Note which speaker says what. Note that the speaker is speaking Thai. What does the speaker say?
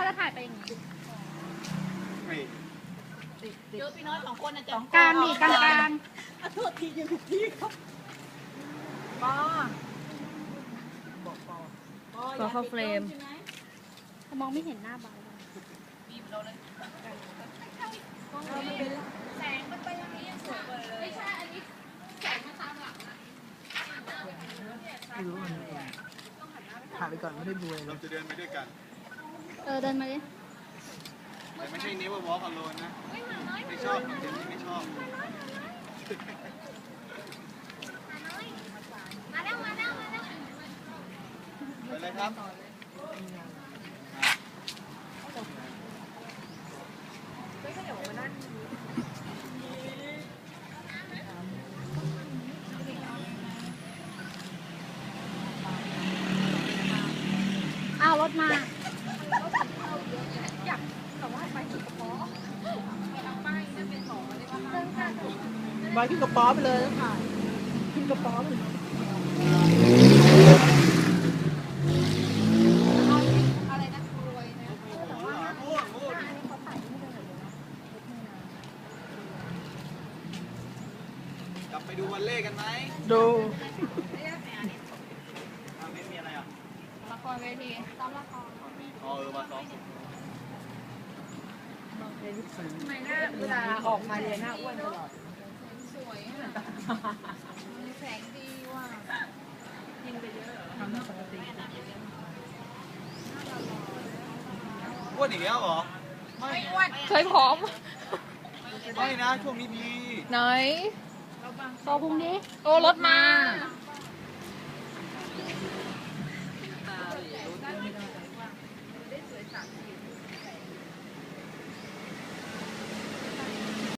Speaker 1: ถ่ายไปอย่างนี้
Speaker 2: เจอพี่น้อย2 คนนะจ๊ะ
Speaker 1: กลางนี่กลาง
Speaker 2: โทษทียังถูกที่ครับปอบอกปอ
Speaker 3: เข้าเฟรม
Speaker 1: มองไม่เห็นหน้าเบา
Speaker 2: บีบเราเลย
Speaker 1: แสงมันไปอย่างนี้ยังสวยกว่าเลยไม่ใช่อันนี้แสงมาตามหลังนะ
Speaker 4: ไม่รู้มันถ่ายไปก่อนไม่ได้ดูเลย
Speaker 5: เราจะเดินไปด้วยกัน
Speaker 1: เดินมาดิ
Speaker 5: แต่ไม่ใช่ never walk alone นะ ไม่ชอบจริงๆไม่ชอบ
Speaker 1: มาแล้วมาแล้วมาแล้ว
Speaker 5: ไปเลยครับ
Speaker 1: อ้าวรถมา
Speaker 4: บอยขึ้นกระป๋อไปเลยแล้วถ่ายขึ้นกระป๋อไปเลย
Speaker 1: อะไรนะรวยนะ
Speaker 5: กลับไปดูวันเล่กันไหม
Speaker 4: ดู
Speaker 5: ไม่มีอะไรอ่ะ
Speaker 1: ละครเวทีซ้อมละคร
Speaker 5: มาซ้อม
Speaker 1: ทำไมหน้า
Speaker 4: เวลาออกมาเลยหน้าอ้วนตลอด
Speaker 1: สวยอ่ะแสงดีว่ะ
Speaker 4: ทำหน้าปกติ
Speaker 5: อ้วนอีกแล้วเหรอ
Speaker 1: ไม่อ้วน
Speaker 3: เคยผอม
Speaker 5: ไม่นะ ช่วงนี้ดี
Speaker 3: ไหน
Speaker 1: โตพุงดิ
Speaker 3: โอ้รถมา
Speaker 1: เ